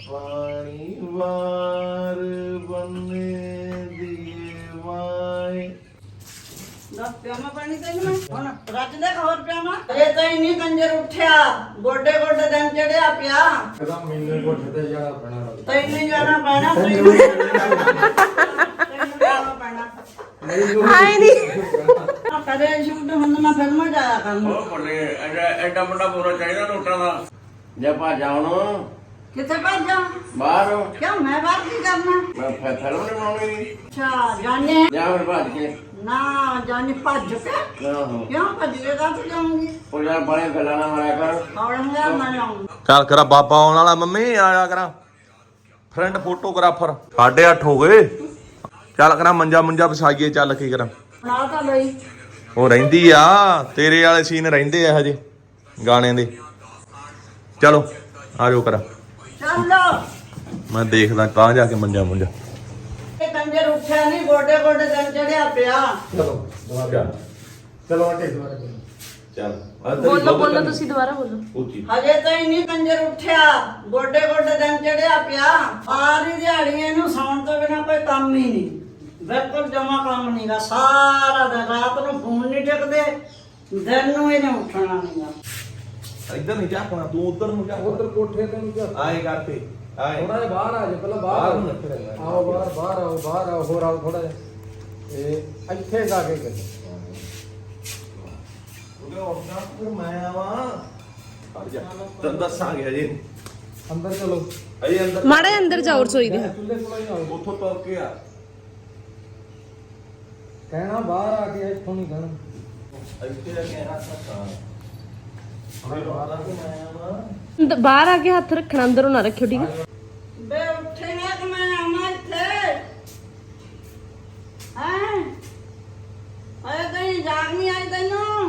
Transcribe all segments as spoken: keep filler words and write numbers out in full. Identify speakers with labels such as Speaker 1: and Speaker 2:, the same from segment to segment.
Speaker 1: ਪਾਣੀ ਵਾਰ ਬੰਨੇ ਦੀਏ ਵਾਏ
Speaker 2: ਦੱਸ ਪਿਆਮਾ ਪਾਣੀ ਤੈਨੂੰ ਮੈਂ ਹੁਣ ਰੱਜ ਦੇ ਹੋਰ ਪਿਆਮਾ ਇਹ ਤਾਂ ਇੰਨੀ ਕੰਜਰ ਉੱਠਿਆ ਗੋਡੇ ਗੋਡੇ ਦਿਨ ਚੜਿਆ ਪਿਆ
Speaker 3: ਕਦਾ ਮੈਨੂੰ ਕੋਠੇ ਤੇ ਜਾਣਾ ਪੈਣਾ
Speaker 2: ਤੈਨੂੰ ਜਾਣਾ ਪੈਣਾ ਤੈਨੂੰ ਜਾਣਾ ਪੈਣਾ
Speaker 4: ਆਏ ਨਹੀਂ
Speaker 2: ਕਦੇ ਸ਼ੂਟ ਹੁੰਦਾ ਮੈਂ ਫਿਲਮਾਂ ਜਾਇਆ ਕਰਨਾ
Speaker 1: ਉਹ ਬੱਲੇ ਐਡਾ ਐਡਾ ਵੱਡਾ ਪੂਰਾ ਚਾਹੀਦਾ ਨੋਟਾਂ ਦਾ ਜੇ ਭਾਜਾ ਹੁਣ
Speaker 2: ਕਿੱਥੇ ਭੱਜਾਂ
Speaker 1: ਬਾਹਰ
Speaker 2: ਕਿਉਂ ਮੈਂ ਬਾਹਰ ਕੀ ਕਰਨਾ
Speaker 1: ਮੈਂ ਫੈ- ਫਿਲਮ ਨਹੀਂ ਬਣਾਉਣੀ
Speaker 2: ਅੱਛਾ ਜਾਣੇ
Speaker 1: ਜਾਂ ਫਿਰ ਭੱਜ ਕੇ
Speaker 2: ਨਾ ਜਾਣੇ ਭੱਜ ਕੇ
Speaker 1: ਆਹੋ
Speaker 2: ਕਿਉਂ ਭੱਜ ਕੇ ਕਾਹਤੇ ਜਾਊਂਗੀ
Speaker 1: ਉਹ ਜਾਂ ਬੜੇ ਗੱਲਾਂ ਨਾ ਮਾਰਿਆ ਕਰ
Speaker 2: ਆਉਣਗਾ ਮੈਂ ਆਉਂਗੀ
Speaker 3: ਚੱਲ ਕਰਾ ਬਾਬਾ ਆਉਣ ਵਾਲਾ ਮੰਮੀ ਆਇਆ ਕਰਾਂ ਫਰੈਂਡ ਫੋਟੋਗ੍ਰਾਫਰ ਸਾਢੇ ਅੱਠ ਹੋ ਗਏ ਚੱਲ ਕਰਾਂ ਮੰਜਾ ਮੁੰਜਾ ਵਿਛਾਈਏ ਚੱਲ ਕੀ ਕਰਾਂ
Speaker 2: ਨਾ ਤਾਂ ਲਈ
Speaker 3: ਉਹ ਰਹਿੰਦੀ ਆ ਤੇਰੇ ਵਾਲੇ ਸੀਨ ਰਹਿੰਦੇ ਆ ਹਜੇ ਗਾਣੇ ਦੇ ਚਲੋ ਆ ਜਾਓ ਕਰਾਂ
Speaker 2: ਚੱਲੋ
Speaker 3: ਮੈਂ ਦੇਖਦਾ ਕਾਂ ਜਾ ਕੇ ਮੰਜਾ ਮੁੰਜਾ
Speaker 2: ਇਹ ਕੰਜਰ ਉੱਠਿਆ ਨਹੀਂ ਗੋਡੇ ਗੋਡੇ ਦਿਨ ਚੜਿਆ ਪਿਆ
Speaker 3: ਚਲੋ ਦੁਬਾਰਾ ਚਲੋ ਆਟੇ ਦੁਬਾਰਾ ਚੱਲ
Speaker 4: ਬੋਲੋ ਬੋਲੋ ਤੁਸੀਂ ਦੁਬਾਰਾ ਬੋਲੋ
Speaker 3: ਉੱਚੀ
Speaker 2: ਹਜੇ ਤਾਂ ਹੀ ਨਹੀਂ ਕੰਜਰ ਉੱਠਿਆ ਗੋਡੇ ਗੋਡੇ ਦਿਨ ਚੜਿਆ ਪਿਆ ਸਾਰੀ ਦਿਹਾੜੀ ਇਹਨੂੰ ਸੌਣ ਤੋਂ ਬਿਨਾ ਕੋਈ ਕੰਮ ਹੀ ਨਹੀਂ ਬਿਲਕੁਲ ਜਮਾ ਕੰਮ ਨਹੀਂਗਾ ਸਾਰਾ ਦਿਨ ਰਾਤ ਨੂੰ ਫੋਨ ਨਹੀਂ ਟਿਕਦੇ ਦਿਨ ਨੂੰ ਇਹਨੇ ਉੱਠਣਾ ਨਹੀਂਗਾ
Speaker 3: ਇੱਧਰ ਨਹੀਂ ਝਾਕਣਾ ਤੂੰ ਉਧਰ ਨੂੰ ਝਾਕ
Speaker 5: ਉਧਰ ਕੋਠੇ ਤੇ ਨੂੰ ਝਾਕ
Speaker 3: ਆਏ ਕਰਤੇ ਆਏ
Speaker 5: ਥੋੜਾ ਜਿਹਾ ਬਾਹਰ ਆ ਜਾ ਪਹਿਲਾਂ
Speaker 3: ਬਾਹਰ
Speaker 5: ਬਾਹਰ
Speaker 3: ਨੂੰ ਰੱਖ ਲੈਣਾ।
Speaker 5: ਆਓ ਬਾਹਰ ਬਾਹਰ ਆਓ ਬਾਹਰ ਆਓ ਹੋਰ ਆਓ ਥੋੜਾ ਜਿਹਾ ਇਹ ਇੱਥੇ ਜਾ ਕੇ ਕਰ
Speaker 3: ਉਹਦੇ ਉੱਠਣਾ ਫਿਰ ਮੈਂ ਆਵਾਂ ਆ ਜਾ ਤੈਨੂੰ ਦੱਸਾਂਗੇ ਹਜੇ
Speaker 5: ਅੰਦਰ ਚਲੋ
Speaker 3: ਅਜੇ ਅੰਦਰ
Speaker 4: ਮਾੜੇ ਅੰਦਰ ਜਾਓ ਰਸੋਈ ਦੇ
Speaker 5: ਚੁੱਲ੍ਹੇ ਕੋਲ ਹੀ ਆਓ
Speaker 3: ਉੱਥੋਂ ਤੁਰ ਕੇ ਆ
Speaker 5: ਕਹਿਣਾ ਬਾਹਰ ਆ ਕੇ ਇੱਥੋਂ ਨਹੀਂ ਕਹਿਣਾ
Speaker 3: ਇੱਥੇ ਆ ਕੇ ਹੱਥ ਰੱਖਾਂ ਉਹਦੇ ਬਾਹਰ ਆ ਕੇ ਮੈਂ ਆਵਾਂ
Speaker 4: ਅੰਦ- ਬਾਹਰ ਆ ਕੇ ਹੱਥ ਰੱਖਣਾ ਅੰਦਰੋਂ ਨਾ ਰੱਖਿਓ ਠੀਕ ਹੈ
Speaker 2: ਬੇ ਉੱਠੇਗਾ ਕਿ ਮੈਂ ਆਵਾਂ ਇੱਥੇ ਹੈਂ ਆਏ ਕਹੀਂ ਜਾਗ ਨਹੀਂ ਆਈ ਤੈਨੂੰ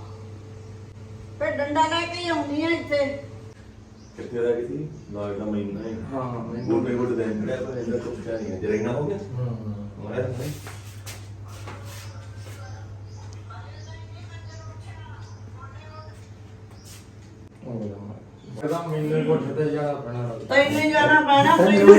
Speaker 2: ਫੇ ਡੰਡਾ ਲੈ ਕੇ ਹੀ ਆਉਂਦੀ ਆ ਇੱਥੇ
Speaker 3: ਕਿੱਥੇ ਦਾ ਕਿਸੀ ਨਾ ਇਹਦਾ ਮਹੀਨਾ ਹੈ
Speaker 5: ਹਾਂ
Speaker 3: ਗੋਡੇ ਗੋਡੇ ਦੇ ਅੰਦਰ ਤਾਂ ਇਹਦਾ ਕੁਝ ਨਹੀਂ ਹੈ ਜਰੇਨਾ ਹੋ ਗਿਆ
Speaker 5: ਹਾਂ
Speaker 3: ਹੋਇਆ ਨਹੀਂ
Speaker 5: ਕਦਾ ਮੈਨੂੰ ਕੋਠੇ ਤੇ ਜਾਣਾ ਪੈਣਾ
Speaker 2: ਤੈਨੂੰ ਜਾਣਾ ਪੈਣਾ ਤੈਨੂੰ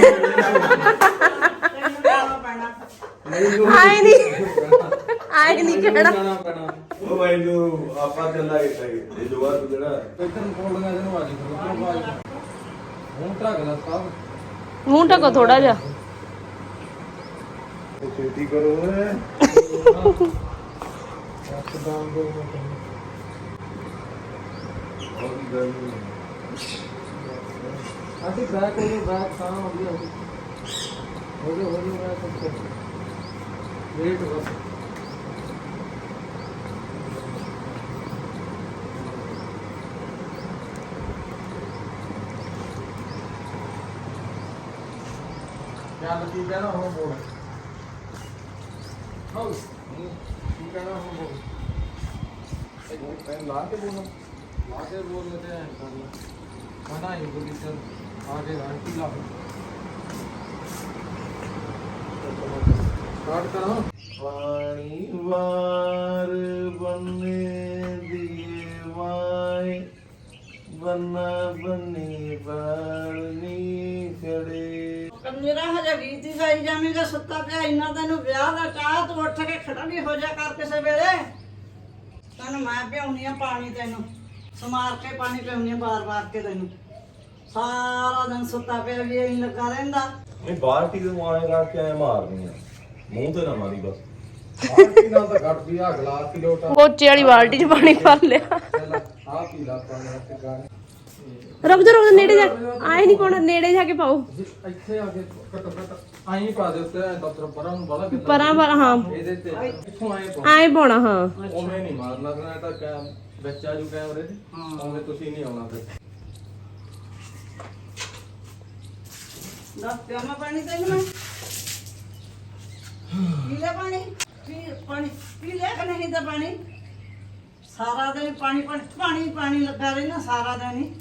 Speaker 2: ਤੈਨੂੰ ਜਾਣਾ ਪੈਣਾ
Speaker 4: ਆਏ ਨਹੀਂ ਆਏ ਨਹੀਂ ਕਿਹੜਾ
Speaker 5: ਜਾਣਾ ਪੈਣਾ
Speaker 3: ਉਹ ਮੈਨੂੰ ਆਪਾਂ ਚੱਲਾਂਗੇ ਇਹ ਜੋਗਾ ਤੂੰ ਜਿਹੜਾ
Speaker 5: ਇੱਧਰ ਕੋਲਗਾ ਜਿਹਨੂੰ ਆ ਜੀ ਉਧਰੋਂ ਆ ਜੀ ਹੁਣ ਟਰੱਕ ਦਾ ਸਾਹਿਬ
Speaker 4: ਮੂੰਹ ਢਕੋ ਥੋੜਾ ਜਿਹਾ
Speaker 3: ਛੇਤੀ ਕਰੋ ਓਏ
Speaker 5: ਇੱਕਦਮ ਦੋ
Speaker 3: ਉਹ ਗੱਲ
Speaker 5: ਅਸੀਂ ਬੈਕ ਹੋ ਗਏ ਬੈਕ ਤਾਂ ਹੋ ਗਿਆ ਹੋ ਗਿਆ ਹੋ ਗਿਆ ਮੈਂ ਕੁਝ ਵੇਟ ਬਸ ਚੱਲ ਕੀ ਕਹਿਣਾ ਹੁਣ ਬੋਲ ਹਾਂ ਕੀ ਕਹਿਣਾ ਹੁਣ ਬੋਲ ਇਹ ਪੈਨ ਲਾ ਕੇ ਬੋਲ ਲਾ ਕੇ ਬੋਲ ਲੈਤੇ हैं कर मना ही बोली चल आगे आंटी ला स्टार्ट करो
Speaker 1: ਪਾਣੀ ਵਾਰ ਬੰਨੇ ਦੀਏ ਵਾਏ ਬੰਨਾ ਬੰਨੀ ਬਾਰਨੀ ਖੜੇ
Speaker 2: ਕੰਜਰਾ ਹਜੇ ਗੀਤ ਹੀ ਗਾਈ ਜਾਵੇਂਗਾ ਸੁੱਤਾ ਪਿਆ ਇੰਨਾ ਤੈਨੂੰ ਵਿਆਹ ਦਾ ਚਾਹ ਤੂੰ ਉੱਠ ਕੇ ਖੜਾ ਵੀ ਹੋ ਜਾ ਕਰ ਕਿਸੇ ਵੇਲੇ ਤੈਨੂੰ ਮੈਂ ਪਿਆਉਣੀ ਆ ਪਾਣੀ ਤੈਨੂੰ ਸਮਾਰ ਕੇ ਪਾਣੀ ਪਿਆਉਣੀ ਆ ਬਾਰ-ਬਾਰ ਕੇ ਤੈਨੂੰ ਸਾਰਾ ਦਿਨ ਸੁੱਤਾ ਪਿਆ ਵੀ ਇਹ ਲੱਗਾ ਰਹਿੰਦਾ
Speaker 3: ਇਹ ਬਾਲਟੀ ਦੇ ਮਾਰੇ ਕਰਕੇ ਐ ਮਾਰਨੀ ਆ ਮੂੰਹ ਤੇ ਨਾ ਮਾਰੀ ਬਸ
Speaker 5: आंटी ना तो घट दिया गिलास की लोटा
Speaker 4: ਪੋਚੇ ਵਾਲੀ ਬਾਲਟੀ 'ਚ ਪਾਣੀ ਭਰ ਲਿਆ
Speaker 5: चल आ पी ला पानी से गाने
Speaker 4: ਰੁਕ ਜਾ ਰੁਕ ਜਾ ਨੇੜੇ ਜਾ ਆਏ ਨਹੀਂ ਕੋਣ ਨੇੜੇ ਜਾ ਕੇ ਪਾਓ
Speaker 5: ਇੱਥੇ ਆ ਕੇ ਕੱਟ ਕੱਟ ਆਈ ਪਾ ਦੇ ਉੱਤੇ ਦਫਤਰ ਪਰਾਂ ਨੂੰ ਬੜਾ ਕਿੱਦਾਂ
Speaker 4: ਪਰਾਂ ਪਰ ਹਾਂ
Speaker 5: ਇਹਦੇ ਤੇ ਇੱਥੋਂ ਆਏ ਪਾ
Speaker 4: ਆਏ ਪਾਉਣਾ ਹਾਂ
Speaker 5: ਉਵੇਂ ਨਹੀਂ ਮਾਰਨਾ ਕਰਨਾ ਇਹ ਤਾਂ ਕੈਮ ਵਿੱਚ ਆ ਜੂ ਕੈਮਰੇ ਤੇ ਉਵੇਂ ਤੁਸੀਂ ਨਹੀਂ ਆਉਣਾ ਫਿਰ
Speaker 2: ਦੱਸ ਪਿਆਮਾ ਪਾਣੀ ਤੈਨੂੰ ਮੈਂ ਪੀ ਲੈ ਪਾਣੀ ਪੀ ਪਾਣੀ ਪੀ ਲੈ ਕਿ ਨਹੀਂ ਤਾਂ ਪਾਣੀ ਸਾਰਾ ਦਿਨ ਪਾਣੀ ਪਾਣੀ ਪਾਣੀ ਪਾਣੀ ਲੱਗਾ ਰਹਿਣਾ ਸਾਰਾ ਦਿਨ ਹੀ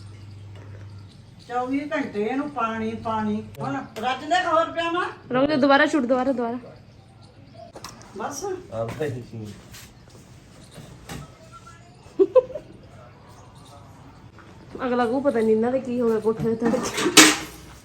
Speaker 2: ਚੌਵੀ ਘੰਟੇ ਇਹਨੂੰ ਪਾਣੀ ਪਾਣੀ ਹੁਣ ਰੱਜ ਦੇ ਹੋਰ ਪਿਆਮਾ
Speaker 4: ਰੁਕ ਜਾ ਦੁਬਾਰਾ ਛੁੱਟ ਦੁਬਾਰਾ ਦੁਬਾਰਾ
Speaker 2: ਬਸ
Speaker 3: ਆਉਂਦਾ ਹੀ ਸੀ
Speaker 4: ਅਗਲਾ ਕੋ ਪਤਾ ਨਹੀਂ ਇਹਨਾਂ ਦੇ ਕੀ ਹੋ ਗਿਆ ਕੋਠੇ ਤੇ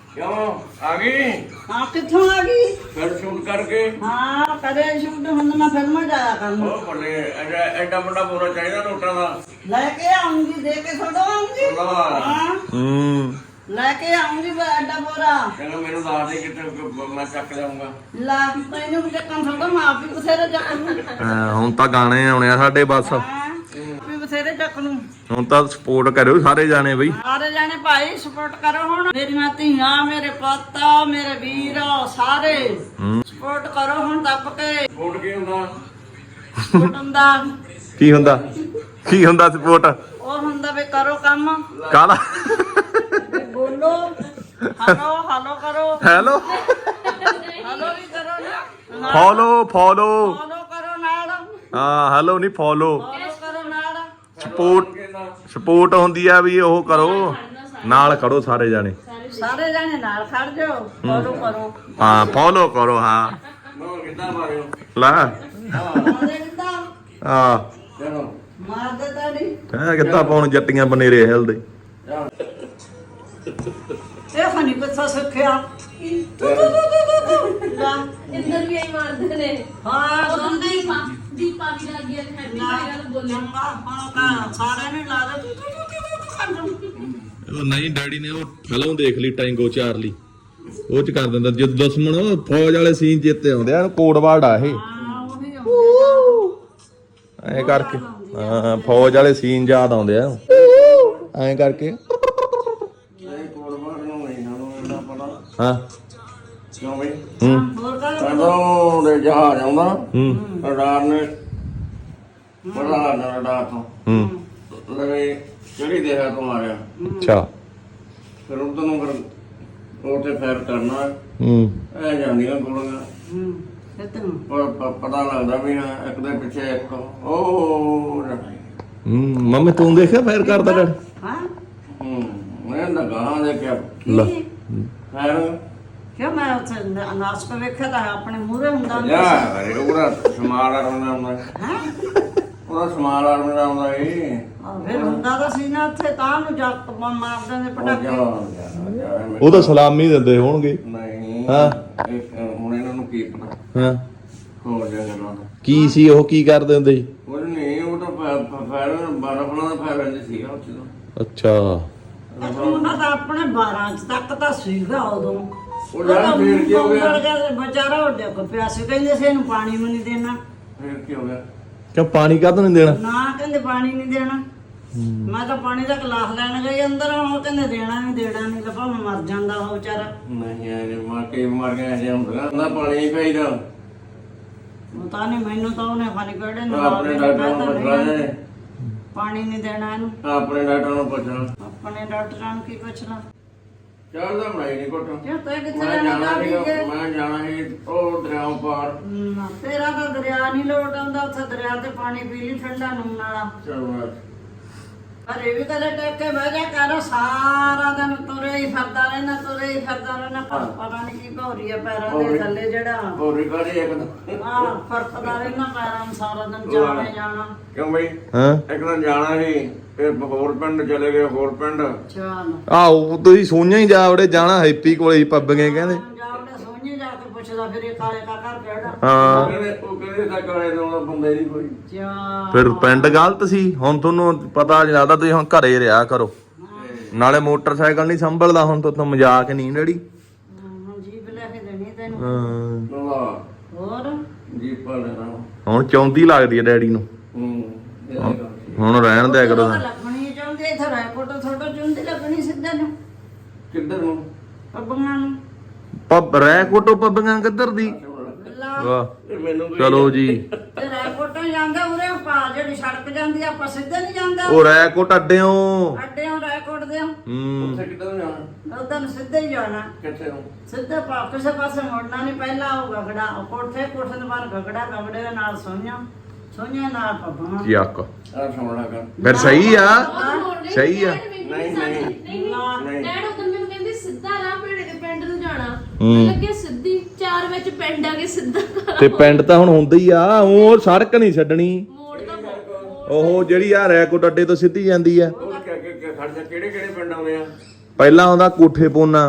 Speaker 1: ਕਿਉਂ ਆ ਗਈ
Speaker 2: ਹਾਂ ਕਿੱਥੋਂ ਆ ਗਈ?
Speaker 1: ਫਿਰ ਸ਼ੂਟ ਕਰਕੇ
Speaker 2: ਹਾਂ ਕਰੇ ਸ਼ੂਟ ਹੁਣ ਮੈਂ ਫਿਲਮਾਂ ਜਾਇਆ ਕਰਨਾ।
Speaker 1: ਉਹ ਬੱਲੇ ਐਡਾ ਐਡਾ ਵੱਡਾ ਬੋਰਾ ਚਾਹੀਦਾ ਨੋਟਾਂ ਦਾ
Speaker 2: ਲੈ ਕੇ ਆਉਂਗੀ, ਦੇ ਕੇ ਥੋੜਾ ਆਉਂਗੀ।
Speaker 1: ਵਾਹ।
Speaker 2: ਹਾਂ
Speaker 3: ਹੂੰ
Speaker 2: ਲੈ ਕੇ ਆਉਂਗੀ ਮੈਂ ਐਡਾ ਬੋਰਾ।
Speaker 1: ਕਹਿੰਦਾ ਮੈਨੂੰ ਦੱਸ ਦੇ ਕਿੱਥੇ ਮੈਂ ਚੱਕ ਲਿਆਉਂਗਾ।
Speaker 2: ਲਾ ਤੈਨੂੰ ਵੀ ਚੱਕਣ ਥੋੜਾ, ਮੈਂ ਆਪ ਹੀ ਬਥੇਰੇ ਚੱਕ ਲੂੰ।
Speaker 3: ਅਹ ਹੁਣ ਤਾਂ ਗਾਣੇ ਆਉਣੇ ਆ ਸਾਡੇ ਬਸ।
Speaker 2: ਹਾਂ ਵੀ ਬਥੇਰੇ ਚੱਕ ਲੂੰ।
Speaker 3: ਹੁਣ ਤਾਂ ਸਪੋਰਟ ਕਰਿਓ ਸਾਰੇ ਜਾਣੇ ਬਈ।
Speaker 2: ਸਾਰੇ ਜਾਣੇ ਭਾਈ ਸਪੋਰਟ ਕਰੋ ਹੁਣ। ਮੇਰੀਆਂ ਧੀਆਂ, ਮੇਰੇ ਪੁੱਤ, ਮੇਰੇ ਵੀਰ ਸਾਰੇ
Speaker 3: ਹੂੰ
Speaker 2: ਸਪੋਰਟ ਕਰੋ ਹੁਣ ਦੱਬ ਕੇ।
Speaker 1: ਫੋਟ ਕੀ ਹੁੰਦਾ?
Speaker 2: ਸਪੋਰਟ ਹੁੰਦਾ
Speaker 3: ਕੀ ਹੁੰਦਾ ਕੀ ਹੁੰਦਾ ਸਪੋਰਟ
Speaker 2: ਉਹ ਹੁੰਦਾ ਵੀ ਕਰੋ ਕੰਮ,
Speaker 3: ਕਾਲਾ
Speaker 2: ਵੀ ਬੋਲੋ, ਹਲੋ ਹਲੋ ਕਰੋ,
Speaker 3: ਹੈਲੋ
Speaker 2: ਹਲੋ ਵੀ ਕਰੋ ਨਾ,
Speaker 3: ਫੋਲੋ ਫੋਲੋ
Speaker 2: ਫੋਲੋ ਕਰੋ ਨਾਲ,
Speaker 3: ਹਾਂ ਹੈਲੋ ਨਹੀਂ ਫੋਲੋ
Speaker 2: ਫੋਲੋ ਕਰੋ ਨਾਲ।
Speaker 3: ਸਪੋਰਟ ਸਪੋਰਟ ਹੁੰਦੀ ਆ ਵੀ ਉਹ ਕਰੋ ਨਾਲ ਖੜੋ ਸਾਰੇ ਜਾਣੇ।
Speaker 2: ਸਾਰੇ ਜਾਣੇ ਨਾਲ ਖੜ ਜਾਓ, ਫੋਲੋ ਕਰੋ।
Speaker 3: ਹਾਂ ਫੋਲੋ ਕਰੋ ਹਾਂ
Speaker 1: ਮੈਂ ਕਿੱਦਾਂ ਮਾਰਿਓ?
Speaker 3: ਲਾ
Speaker 2: ਮਾਰਦੇ ਕਿੱਦਾਂ?
Speaker 3: ਹਾਂ
Speaker 1: ਚਲੋ
Speaker 2: ਮਾਰਦੇ ਤਾਂ ਨਹੀਂ।
Speaker 3: ਹੈ ਕਿੱਦਾਂ ਪਾਉਣ ਜੱਟੀਆਂ ਬਨੇਰੇ ਹਿਲਦੇ।
Speaker 1: ਜਾ
Speaker 2: ਇਹ ਫਨੀ ਕਿੱਥੋਂ ਸਿੱਖਿਆ? ਲਾ
Speaker 4: ਇੰਦਰ ਵੀ ਆਈ ਮਾਰਦੇ ਨੇ।
Speaker 2: ਹਾਂ ਸੁਣਦੀ
Speaker 4: ਦੀਪਾ ਵੀ ਲੱਗ ਗਿਆ ਹੈਪੀ ਗੱਲ ਬੋਲੇ।
Speaker 2: ਚੰਗਾ ਹੁਣ ਕਾ ਸਾਰਿਆਂ ਨੇ ਲਾ ਦੇ ਤੂੰ ਤੂੰ ਤੂੰ ਤੂੰ
Speaker 3: ਉਹ ਨਹੀਂ ਡੈਡੀ ਨੇ ਉਹ ਫਿਲਮ ਦੇਖ ਲਈ ਟੈਂਗੋ ਚਾਰਲੀ, ਉਹ ਚ ਕਰ ਦਿੰਦਾ ਜਦੋਂ ਦੁਸ਼ਮਣ ਉਹ ਫੌਜ ਵਾਲੇ ਸੀਨ ਜਿੱਤੇ ਆਉਂਦੇ ਆ ਕੋਡ ਵਰਡ ਆ ਇਹ
Speaker 2: ਹਾਂ ਉਹੀ ਆਉਂਦੇ
Speaker 3: ਐਂ ਕਰਕੇ। ਹਾਂ ਫੌਜ ਵਾਲੇ ਸੀਨ ਯਾਦ ਆਉਂਦੇ ਆ ਐਂ ਕਰਕੇ।
Speaker 1: ਇਹ ਕੋਰਬਾਨ ਨੂੰ ਨਹੀਂ ਸਾਨੂੰ ਇੰਨਾ ਪਤਾ।
Speaker 3: ਹਾਂ
Speaker 1: ਕਿਉਂ ਬਈ?
Speaker 3: ਹੂੰ
Speaker 2: ਹੋਰ ਕਰ
Speaker 1: ਕਦੋਂ ਦੇ ਜਹਾਜ਼ ਆਉਂਦਾ
Speaker 3: ਹੂੰ
Speaker 1: ਰਡਾਰ ਨੇ ਬੜਾ ਨਾ ਰਡਾਰ ਤੋਂ
Speaker 3: ਹੂੰ
Speaker 1: ਲਵੇ ਕਿਹੜੀ ਦੇਹਾ ਤੋਂ ਮਾਰਿਆ,
Speaker 3: ਅੱਛਾ
Speaker 1: ਫਿਰ ਉਧਰ ਨੂੰ ਫਿਰ ਉੱਥੇ ਫੈਰ ਕਰਨਾ।
Speaker 3: ਹੂੰ
Speaker 1: ਇਹ ਜਾਂਦੀਆਂ ਗੋਲੀਆਂ
Speaker 2: ਹੂੰ ਕਿਤਨ
Speaker 1: ਪਰ ਪ- ਪਤਾ ਲੱਗਦਾ ਵੀ ਹਾਂ ਇੱਕ ਦੇ ਪਿੱਛੇ ਇੱਕ ਉਹ ਜਾਣਾ।
Speaker 3: ਹੂੰ ਮੰਮੀ ਤੂੰ ਦੇਖਿਆ ਫੇਰ ਕਰਦਾ ਡੈਡੀ?
Speaker 2: ਹਾਂ
Speaker 1: ਹੂੰ ਮੈਂ ਤਾਂ ਗਾਹਾਂ ਦੇਖਿਆ
Speaker 3: ਲੈ
Speaker 2: ਕੀ
Speaker 1: ਫੈਰ
Speaker 2: ਕਿਉਂ? ਮੈਂ ਉੱਥੇ ਅਨਾਜ ਕੋ ਵੇਖਿਆ ਤਾਂ ਆਪਣੇ ਮੂਹਰੇ ਹੁੰਦਾ
Speaker 1: ਯਾ ਅਰੇ ਉਹਦਾ ਸਮਾਲ ਆਰਮਣਾ ਹੁੰਦਾ
Speaker 2: ਹੈ।
Speaker 1: ਉਹਦਾ ਸਮਾਲ ਆਰਮਣਾ ਹੁੰਦਾ ਇਹ
Speaker 2: ਫਿਰ ਹੁੰਦਾ ਤਾਂ ਸੀ ਨਾ ਉੱਥੇ ਤਾਂ ਨੂੰ ਜੱਟ ਮਾਰਦੇ ਨੇ
Speaker 1: ਉਹ
Speaker 2: ਪਟਾਕੇ।
Speaker 1: ਜਾ ਜਾ ਜਾ
Speaker 3: ਉਹ ਤਾਂ ਸਲਾਮੀ ਦਿੰਦੇ ਹੋਣਗੇ।
Speaker 1: ਨਹੀਂ
Speaker 3: ਹਾਂ।
Speaker 1: ਇਹ ਹੁਣ ਇਹਨਾਂ ਨੂੰ ਕੀ ਪਤਾ
Speaker 3: ਹਾਂ
Speaker 1: ਹੋ ਜਾ ਗੱਲਾਂ ਦਾ।
Speaker 3: ਕੀ ਸੀ ਉਹ ਕੀ ਕਰਦੇ ਹੁੰਦੇ ਸੀ?
Speaker 1: ਉਹ ਨਹੀਂ ਉਹ ਤਾਂ ਫੈਰ ਬਰਫਲਾਂ ਦਾ ਫੈਰ ਰਹਿੰਦੇ ਸੀਗਾ ਉੱਥੇ ਤਾਂ।
Speaker 3: ਅੱਛਾ
Speaker 2: ਉਹਨਾਂ ਦਾ ਆਪਣੇ ਬਾਰਾਂ ਚ ਤੱਕ ਤਾਂ ਸੀਗਾ ਉਦੋਂ।
Speaker 1: ਉਹ ਯਾਰ ਫੇਰ ਕੀ ਹੋ ਗਿਆ?
Speaker 2: ਵਿਚਾਰਾ ਉਹ ਡਿੱਗ ਪਿਆ ਸੀ, ਕਹਿੰਦੇ ਸੀ ਇਹਨੂੰ ਪਾਣੀ ਵੀ ਨਹੀਂ ਦੇਣਾ।
Speaker 1: ਫੇਰ ਕੀ ਹੋ ਗਿਆ?
Speaker 3: ਕਿਉਂ ਪਾਣੀ ਕਾਹਤੋਂ ਨਹੀਂ ਦੇਣਾ?
Speaker 2: ਨਾ ਕਹਿੰਦੇ ਪਾਣੀ ਨਹੀਂ ਦੇਣਾ। ਮੈਂ ਤਾਂ ਪਾਣੀ ਦਾ ਗਲਾਸ ਲੈਣ ਗਈ ਅੰਦਰ, ਉਹ ਕਹਿੰਦੇ ਦੇਣਾ ਨਹੀਂ ਦੇਣਾ ਨਹੀਂ ਤਾਂ ਭਾਵੇਂ ਮਰ ਜਾਂਦਾ ਉਹ ਵਿਚਾਰਾ।
Speaker 1: ਨਹੀਂ ਇਹ ਮਾਰ ਕੇ ਮਾਰ ਗਿਆ ਜੇ ਹੁੰਦਾ ਨਾ ਪਾਣੀ ਨਹੀਂ ਪਈਦਾ।
Speaker 2: ਉਹ ਤਾਂ ਨਹੀਂ ਮੈਨੂੰ ਤਾਂ ਉਹਨੇ ਖਾਲੀ ਕਿਹੜੇ ਨੂੰ
Speaker 1: ਆਪਣੇ ਡਾਕਟਰ ਨੂੰ ਪੁੱਛ ਲੈ ਜੇ
Speaker 2: ਪਾਣੀ ਨਹੀਂ ਦੇਣਾ ਇਹਨੂੰ।
Speaker 1: ਆਪਣੇ ਡਾਕਟਰ ਨੂੰ ਪੁੱਛ ਲੈ।
Speaker 2: ਆਪਣੇ ਡਾਕਟਰਾਂ ਨੂੰ ਕੀ ਪੁੱਛਣਾ?
Speaker 1: ਚਾਹ ਦਾ ਬਣਾਈ ਨਹੀਂ ਘੁੱਟ।
Speaker 2: ਕਿਉਂ ਤੈ ਕਿੱਥੇ
Speaker 1: ਮੈਂ
Speaker 2: ਜਾਣਾ
Speaker 1: ਜਾਣਾ
Speaker 2: ਚਾਹ ਪੀ ਕੇ?
Speaker 1: ਸੀ ਮੈਂ ਜਾਣਾ ਸੀ ਉਹ ਦਰਿਆਓਂ ਪਾਰ।
Speaker 2: ਨਾ, ਤੇਰਾ ਤਾਂ ਦਰਿਆ ਨਹੀਂ ਲੋਟ ਆਉਂਦਾ, ਉੱਥੇ ਦਰਿਆ ਤੇ ਪਾਣੀ ਪੀ ਲਈ ਠੰਡਾ ਨੂਨ ਵਾਲਾ।
Speaker 1: ਚਲ ਬਸ
Speaker 2: ਪਰ ਇਹ ਵੀ ਕਦੇ ਟੇਕ ਕੇ ਬਹਿ ਜਾ ਕਰ, ਸਾਰਾ ਦਿਨ ਤੁਰੇ ਹੀ ਫਿਰਦਾ ਰਹਿਣਾ, ਤੁਰੇ ਹੀ ਫਿਰਦਾ ਰਹਿਣਾ। ਪਤਾ ਨਹੀਂ ਕੀ ਭੌਰੀ ਆ ਪੈਰਾਂ ਦੇ ਥੱਲੇ ਜਿਹੜਾ
Speaker 1: ਹੋਰੀ ਕਾੜੀ ਇੱਕ ਤਾਂ
Speaker 2: ਆਹ ਫਰਕਦਾ ਰਹਿਣਾ ਪੈਰਾਂ ਨੂੰ ਸਾਰਾ ਦਿਨ ਜਾਣਾ ਹੀ ਜਾਣਾ।
Speaker 1: ਕਿਉਂ ਬਈ
Speaker 3: ਹਾਂ
Speaker 1: ਇੱਕ ਦਿਨ ਜਾਣਾ ਸੀ ਫਿਰ ਹੋਰ ਪਿੰਡ ਚਲੇ ਗਏ ਹੋਰ ਪਿੰਡ।
Speaker 2: ਚੱਲ
Speaker 3: ਆਓ ਤੁਸੀਂ ਸੋਈਆਂ ਹੀ ਜਾ ਵੜੇ ਜਾਣਾ ਹੈਪੀ ਕੋਲੇ ਹੀ ਪੱਬਗੇ ਕਹਿੰਦੇ।
Speaker 2: ਜਾਵੜੇ ਸੋਹਣੇ ਜਾ ਕੇ ਪੁੱਛਦਾ ਫਿਰ ਇਹ ਕਾਲੇ ਕਾ ਘਰ ਕਿਹੜਾ।
Speaker 3: ਹਾਂ
Speaker 1: ਕਹਿੰਦੇ ਉਹ ਕਹਿੰਦੇ ਤਾਂ ਕਾਲੇ ਤੋਂ ਉਹਦਾ ਬੰਦਾ ਹੀ ਨਹੀਂ ਕੋਈ।
Speaker 2: ਚਾ
Speaker 3: ਫਿਰ ਪਿੰਡ ਗਲਤ ਸੀ। ਹੁਣ ਤੁਹਾਨੂੰ ਪਤਾ ਨਹੀਂ ਲੱਗਦਾ, ਤੁਸੀਂ ਹੁਣ ਘਰੇ ਰਿਹਾ ਕਰੋ। ਨਾਲੇ ਮੋਟਰਸਾਈਕਲ ਨਹੀਂ ਸੰਭਲਦਾ ਹੁਣ ਤੋਂ ਮਜ਼ਾਕ ਨਹੀਂ ਡੈਡੀ।
Speaker 2: ਹੁਣ ਜੀਬ ਲੈ ਕੇ ਦੇਣੀ ਤੈਨੂੰ।
Speaker 3: ਹਾਂ
Speaker 1: ਵਾਹ
Speaker 2: ਹੋਰ
Speaker 1: ਜੀਪਾ ਲੈਣਾ।
Speaker 3: ਹੁਣ ਚੌਂਦੀ ਲੱਗਦੀ ਹੈ ਡੈਡੀ ਨੂੰ।
Speaker 1: ਹੂੰ ਇਹ ਗੱਲ ਸੀ।
Speaker 3: ਹੁਣ ਰਹਿਣ ਦਿਆ ਕਰੋ।
Speaker 2: ਉਹ ਤਾਂ ਲੱਗਣੀ ਚਾਹੁੰਦੀ ਇੱਥੇ ਰੈਕੋਟ ਥੋੜਾ ਚੁੰਦੀ ਲੱਗਣੀ ਸਿੱਧੇ ਨੂੰ
Speaker 1: ਕਿੱਧਰ ਨੂੰ?
Speaker 2: ਪੱਬੀਆਂ ਨੂੰ।
Speaker 3: ਪੱਬ ਰਹਿ ਕੋਟੋ ਪੱਬੀਆਂ ਕਿੱਧਰ ਦੀ?
Speaker 2: ਲਾ
Speaker 3: ਵਾਹ
Speaker 1: ਇਹ ਮੈਨੂੰ ਵੀ
Speaker 3: ਚਲੋ ਜੀ।
Speaker 2: ਤੇ ਰੈਕੋਟੋਂ ਜਾਂਦਾ ਉਰੇ ਪਾ ਜਿਹੜੀ ਸੜਕ ਜਾਂਦੀ ਆ, ਆਪਾਂ ਸਿੱਧੇ ਨਹੀਂ ਜਾਂਦਾ।
Speaker 3: ਉਹ ਰਹਿ ਕੋਟ ਅੱਡਿਓ।
Speaker 2: ਅੱਡਿਓਂ ਰੈਕੋਟ ਦੇ
Speaker 3: ਹੂੰ
Speaker 1: ਉੱਥੇ ਕਿੱਧਰ ਨੂੰ ਜਾਣਾ?
Speaker 2: ਉਦੋਂ ਸਿੱਧੇ ਹੀ ਜਾਣਾ।
Speaker 1: ਕਿੱਥੇ ਨੂੰ?
Speaker 2: ਸਿੱਧੇ ਪਾ ਕਿਸੇ ਪਾਸੇ ਮੁੜਨਾ ਨਹੀਂ। ਪਹਿਲਾਂ ਉਹ ਗਗੜਾ ਉਹ ਕੋਠੇ ਕੋਠੇ ਦੇ ਬਾਹਰ ਗਗੜਾ, ਗਗੜੇ ਦੇ ਨਾਲ ਸੋਈਆਂ, ਸੋਈਆਂ ਨਾਲ ਪੱਬਾਂ।
Speaker 3: ਯਾਕ
Speaker 1: ਆ ਸੁਣਨਾ ਕਰ।
Speaker 3: ਫਿਰ ਸਹੀ ਆ ਸਹੀ ਆ।
Speaker 1: ਨਹੀਂ ਨਹੀਂ
Speaker 2: ਨਾ
Speaker 1: ਨਹੀਂ
Speaker 4: ਡੈਡ ਉਦੋਂ ਮੈਨੂੰ ਕਹਿੰਦੇ ਸਿੱਧਾ ਰਾਹ ਭੇੜੇ ਦੇ ਪਿੰਡ ਨੂੰ ਜਾਣਾ।
Speaker 3: ਹੂੰ।
Speaker 4: ਮੈਂ ਲੱਗੇ ਸਿੱਧੀ ਚਾਰ ਵਿੱਚ ਪਿੰਡ ਆ ਕੇ ਸਿੱਧਾ
Speaker 3: ਤੇ ਪਿੰਡ ਤਾਂ ਹੁਣ ਹੁੰਦਾ ਹੀ ਆ। ਉਹ ਸੜਕ ਨਹੀਂ ਛੱਡਣੀ।
Speaker 4: ਮੋੜ ਦਾ ਮੋੜ।
Speaker 3: ਉਹ ਜਿਹੜੀ ਆ ਰੈਕੋਟ ਅੱਡੇ ਤੋਂ ਸਿੱਧੀ ਜਾਂਦੀ ਆ।
Speaker 1: ਉਹ ਕਿ ਕਿ ਕਿ ਖੜ ਜਾ ਕਿਹੜੇ ਕਿਹੜੇ ਪਿੰਡ ਆਉਂਦੇ ਆ?
Speaker 3: ਪਹਿਲਾਂ ਆਉਂਦਾ ਕੋਠੇ ਪੋਨਾ,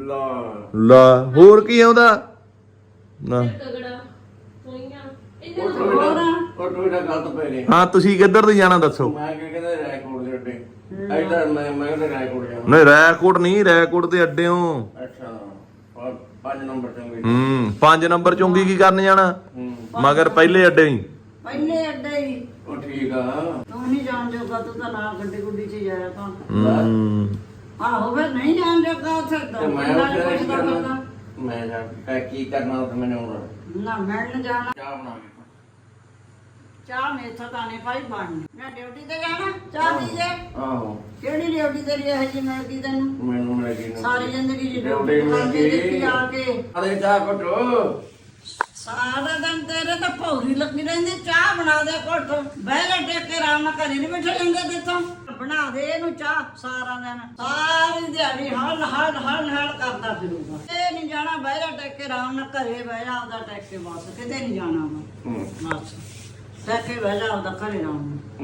Speaker 1: ਲਾ
Speaker 3: ਲਾ ਹੋਰ ਕੀ ਆਉਂਦਾ ਨਾ
Speaker 4: ਤਗੜਾ ਹੋਈਆਂ
Speaker 1: ਉਹ
Speaker 4: ਇਹਨਾਂ
Speaker 1: ਟੋਇਟਾ ਉਹ ਟੋਇਟਾ ਗਲਤ ਪੈ ਗਏ
Speaker 3: ਹਾਂ ਤੁਸੀਂ ਕਿੱਧਰ ਦੀ ਜਾਣਾ ਦੱਸੋ
Speaker 1: ਮੈਂ ਕੀ ਕਹਿੰਦਾ ਰੈਕੋਰਡ ਦੇ ਅੱਡੇ ਇੱਧਰ ਮੈਂ ਮੈਂ ਕਹਿੰਦਾ ਰੈਕੋਰਡ ਜਾਣਾ
Speaker 3: ਨਹੀਂ ਰੈਕੋਰਡ ਨਹੀਂ ਰੈਕੋਰਡ ਦੇ ਅੱਡਿਓ
Speaker 1: ਅੱਛਾ ਔਰ ਪੰਜ ਨੰਬਰ ਚੰਗੇ
Speaker 3: ਹੂੰ ਪੰਜ ਨੰਬਰ ਚੁੰਗੀ ਕੀ ਕਰਨ ਜਾਣਾ
Speaker 1: ਹੂੰ
Speaker 3: ਮਗਰ ਪਹਿਲੇ ਅੱਡੇ ਹੀ
Speaker 2: ਪਹਿਲੇ ਅੱਡੇ ਹੀ
Speaker 1: ਉਹ ਠੀਕ ਆ
Speaker 2: ਤੂੰ ਨਹੀਂ ਜਾਣ ਜੋਗਾ ਤੂੰ ਤਾਂ ਨਾਲ ਗੱਡੀ ਗੁੱਡੀ 'ਚ ਜਾਇਆ ਤਾਂ
Speaker 3: ਹੂੰ
Speaker 2: ਆਹੋ ਫਿਰ ਨਹੀਂ ਜਾਣ ਜੋਗਾ ਉੱਥੇ ਤਾਂ
Speaker 1: ਤੇ ਮੈਂ
Speaker 2: ਪਿੰਡਾਂ 'ਚ
Speaker 1: ਉੱਥੇ
Speaker 2: ਪੁੱਛਦਾ
Speaker 1: ਕੀ
Speaker 2: ਫਿਰਦਾ।
Speaker 1: ਕਰਨਾ ਮੈਂ ਜਾ ਕੇ ਕੀ ਕਰਨਾ ਉੱਥੇ ਮੈਨੂੰ ਆਉਂਦਾ
Speaker 2: ਨਾ ਮਿਲਣ ਜਾਣਾ
Speaker 1: ਚਾਹ ਬਣਾ ਕੇ
Speaker 2: ਚਾਹ ਮੇਥੋਂ ਤਾਂ ਨਹੀਂ ਭਾਈ ਬਣਨੀ ਮੈਂ ਡਿਊਟੀ ਤੇ ਜਾਣਾ ਚਾਹ ਪੀ ਜੇ
Speaker 1: ਆਹੋ
Speaker 2: ਕਿਹੜੀ ਡਿਊਟੀ ਤੇਰੀ ਇਹ ਜੀ ਮਿਲਦੀ ਤੈਨੂੰ
Speaker 1: ਮੈਨੂੰ ਮਿਲ ਗਈ
Speaker 2: ਸਾਰੀ ਜ਼ਿੰਦਗੀ ਦੀ
Speaker 1: ਡਿਊਟੀ
Speaker 2: ਡਿਊਟੀ
Speaker 1: ਮਿਲ
Speaker 2: ਕਰਦੇ
Speaker 1: ਗਈ।
Speaker 2: ਦੇਖੀ ਆ ਕੇ
Speaker 1: ਅਰੇ ਚਾਹ ਘਟੋ
Speaker 2: ਸਾਰਾ ਦਿਨ ਤੇਰੇ ਤਾਂ ਭੌਰੀ ਲੱਗੀ ਰਹਿੰਦੀ ਚਾਹ ਬਣਾ ਦੇ ਘੁੱਟ ਬਹਿ ਜਾ ਟੇਕ ਕੇ ਆਰਾਮ ਨਾਲ ਘਰੇ ਨਹੀਂ ਬੈਠੇ ਜਾਂਦੇ ਤੇਥੋਂ ਬਣਾ ਦੇ ਇਹਨੂੰ ਚਾਹ ਸਾਰਾ ਦਿਨ ਸਾਰੀ ਦਿਹਾੜੀ ਹਲ ਹਲ ਹਲ ਹਲ ਕਰਦਾ ਫਿਰੂਗਾ ਇਹ ਨਹੀਂ ਜਾਣਾ ਬਹਿ ਜਾ ਟੇਕ ਕੇ ਆਰਾਮ ਨਾਲ ਘਰੇ ਬਹਿ ਜਾ ਆਪਦਾ ਟੇਕ ਕੇ ਬਸ ਕਿਤੇ ਨਹੀਂ ਜਾਣਾ ਮੈਂ
Speaker 1: ਹੂੰ
Speaker 2: ਬਸ ਟੇਕ ਕੇ ਬਹਿ ਜਾ ਆਪਦਾ ਘਰੇ ਆਰਾਮ ਨਾਲ